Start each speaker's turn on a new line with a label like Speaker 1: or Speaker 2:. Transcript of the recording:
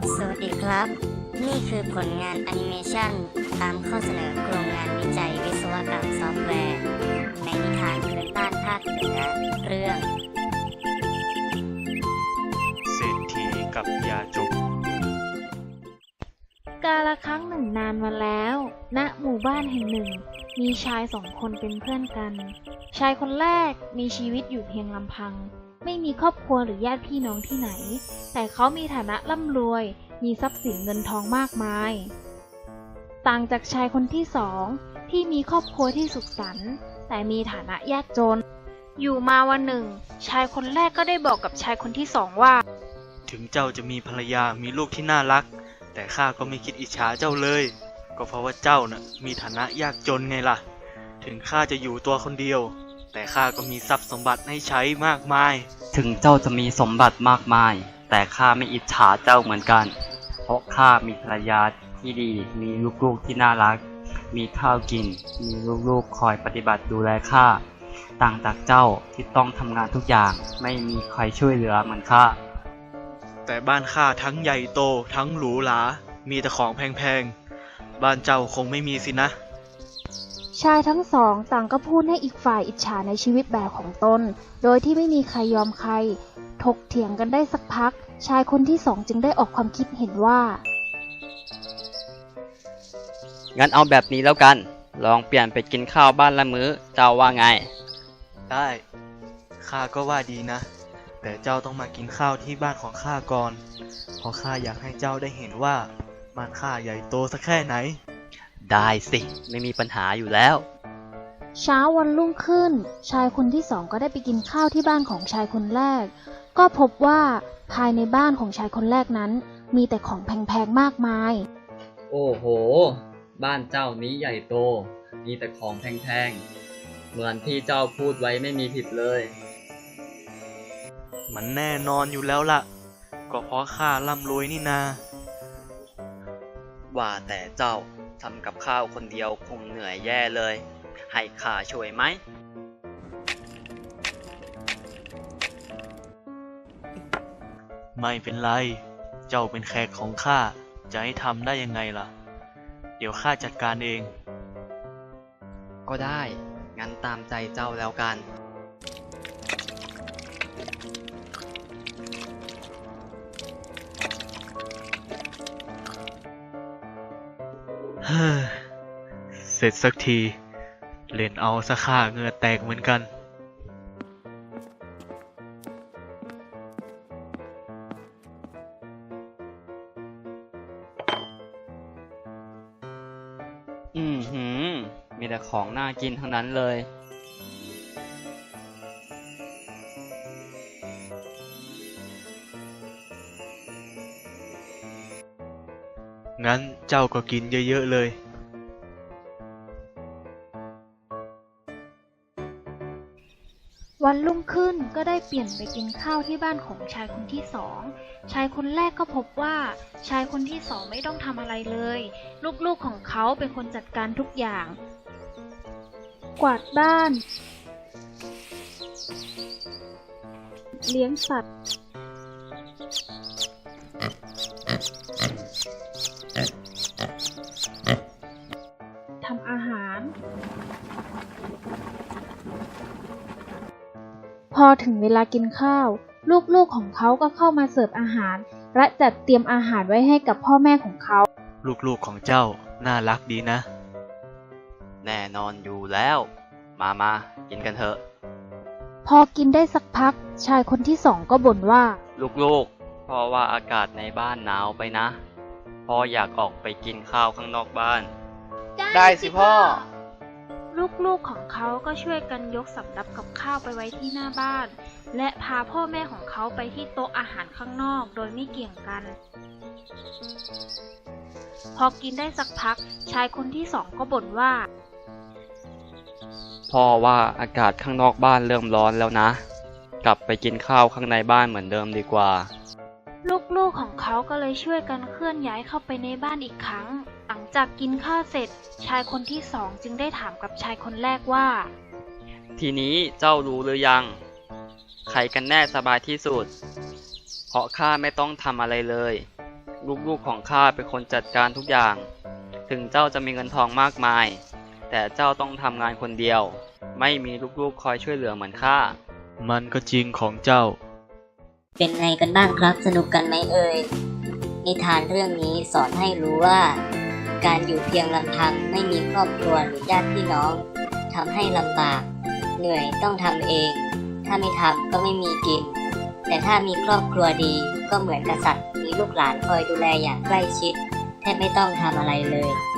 Speaker 1: สวัสดีครับ นี่คือผลงานแอนิเมชันตามข้อเสนอโครงงานวิจัยวิศวกรรมซอฟต์แวร์ในนิทานพื้นบ้านภาคเหนือเรื่อง
Speaker 2: เศรษฐีกับยาจก
Speaker 3: กาลครั้งหนึ่งนานมาแล้ว ณ หมู่บ้านแห่งหนึ่ง มีชายสองคนเป็นเพื่อนกัน ชายคนแรกมีชีวิตอยู่เพียงลำพัง ไม่มีครอบครัวหรือญาติพี่น้องที่ไหน แต่เขามีฐานะร่ำรวย มีทรัพย์สินเงินทองมากมาย ต่างจากชายคนที่สองที่มีครอบครัวที่สุขสันต์แต่มีฐานะยากจน อยู่มาวันหนึ่ง ชายคนแรกก็ได้บอกกับชายคนที่สองว่า
Speaker 2: ถึงเจ้าจะมีภรรยามีลูกที่น่ารักแต่ข้าก็ไม่คิดอิจฉาเจ้าเลยก็เพราะว่าเจ้าน่ะมีฐานะยากจนไงล่ะถึงข้าจะอยู่ตัวคนเดียวแต่ข้าก็มีทรัพย์สมบัติให้ใช้มากมาย
Speaker 4: ถึงเจ้าจะมีสมบัติมากมายแต่ข้าไม่อิจฉาเจ้าเหมือนกันเพราะข้ามีภรรยาที่ดีมีลูกๆที่น่ารักมีข้าวกินมีลูกๆคอยปฏิบัติดูแลข้าต่างจากเจ้าที่ต้องทำงานทุกอย่างไม่มีใครช่วยเหลือเหมือนข้า
Speaker 2: แต่บ้านข้าทั้งใหญ่โตทั้งหรูหรามีแต่ของแพงๆบ้านเจ้าคงไม่มีสินะ
Speaker 3: ชายทั้งสองต่างก็พูดให้อีกฝ่ายอิจฉาในชีวิตแบบของตนโดยที่ไม่มีใครยอมใครถกเถียงกันได้สักพักชายคนที่สองจึงได้ออกความคิดเห็นว่า
Speaker 4: งั้นเอาแบบนี้แล้วกันลองเปลี่ยนไปกินข้าวบ้านละมื้อเจ้าว่าไง
Speaker 2: ได้ข้าก็ว่าดีนะแต่เจ้าต้องมากินข้าวที่บ้านของข้าก่อนเพราะข้าอยากให้เจ้าได้เห็นว่าบ้านข้าใหญ่โตสักแค่ไหน
Speaker 4: ได้สิไม่มีปัญหาอยู่แล้ว
Speaker 3: เช้าวันรุ่งขึ้นชายคนที่สองก็ได้ไปกินข้าวที่บ้านของชายคนแรกก็พบว่าภายในบ้านของชายคนแรกนั้นมีแต่ของแพงๆมากมาย
Speaker 4: โอ้โหบ้านเจ้านี้ใหญ่โตมีแต่ของแพงๆเหมือนที่เจ้าพูดไว้ไม่มีผิดเลย
Speaker 2: มันแน่นอนอยู่แล้วล่ะก็เพราะข้าร่ำรวยนี่นา
Speaker 4: ว่าแต่เจ้าทำกับข้าวคนเดียวคงเหนื่อยแย่เลยให้ข้าช่วยไหม
Speaker 2: ไม่เป็นไรเจ้าเป็นแขกของข้าจะให้ทำได้ยังไงล่ะเดี๋ยวข้าจัดการเอง
Speaker 4: ก็ได้งั้นตามใจเจ้าแล้วกัน
Speaker 2: เฮ้อเสร็จสักทีเล่นเอาซะข้าเหงื่อแตกเหมือนกัน
Speaker 4: มีแต่ของน่ากินทั้งนั้นเลย
Speaker 2: งั้นเจ้าก็กินเยอะๆเลย
Speaker 3: วันรุ่งขึ้นก็ได้เปลี่ยนไปกินข้าวที่บ้านของชายคนที่สองชายคนแรกก็พบว่าชายคนที่สองไม่ต้องทำอะไรเลยลูกๆของเขาเป็นคนจัดการทุกอย่างกวาดบ้านเลี้ยงสัตว์ทำอาหารพอถึงเวลากินข้าวลูกๆของเขาก็เข้ามาเสิร์ฟอาหารและจัดเตรียมอาหารไว้ให้กับพ่อแม่ของเขา
Speaker 2: ลูกๆของเจ้าน่ารักดีนะ
Speaker 4: แน่นอนอยู่แล้วมากินกันเถอะ
Speaker 3: พอกินได้สักพักชายคนที่สองก็บ่นว่า
Speaker 4: ลูกๆเพราะว่าอากาศในบ้านหนาวไปนะพ่ออยากออกไปกินข้าวข้างนอกบ้าน
Speaker 2: ได้สิพ่อ
Speaker 3: ลูกๆของเขาก็ช่วยกันยกสำรับกับข้าวไปไว้ที่หน้าบ้านและพาพ่อแม่ของเขาไปที่โต๊ะอาหารข้างนอกโดยไม่เกี่ยงกันพอกินได้สักพักชายคนที่สองก็บ่นว่า
Speaker 4: พ่อว่าอากาศข้างนอกบ้านเริ่มร้อนแล้วนะกลับไปกินข้าวข้างในบ้านเหมือนเดิมดีกว่า
Speaker 3: ลูกๆของเขาก็เลยช่วยกันเคลื่อนย้ายเข้าไปในบ้านอีกครั้งหลังจากกินข้าวเสร็จชายคนที่สองจึงได้ถามกับชายคนแรกว่า
Speaker 4: ทีนี้เจ้ารู้หรือยังใครกันแน่สบายที่สุดเพราะข้าไม่ต้องทำอะไรเลยลูกๆของข้าเป็นคนจัดการทุกอย่าง ถึงเจ้าจะมีเงินทองมากมาย แต่เจ้าต้องทำงานคนเดียว ไม่มีลูกๆคอยช่วยเหลือเหมือนข้า
Speaker 2: มันก็จริงของเจ้า
Speaker 1: เป็นไงกันบ้างครับ สนุกกันไหมเอ่ย นิทานเรื่องนี้สอนให้รู้ว่า การอยู่เพียงลำพังไม่มีครอบครัวหรือญาติพี่น้องทำให้ลำบาก เหนื่อยต้องทำเอง ถ้าไม่ทำก็ไม่มีกิน แต่ถ้ามีครอบครัวดีก็เหมือนกษัตริย์มีลูกหลานคอยดูแลอย่างใกล้ชิดแทบไม่ต้องทำอะไรเลย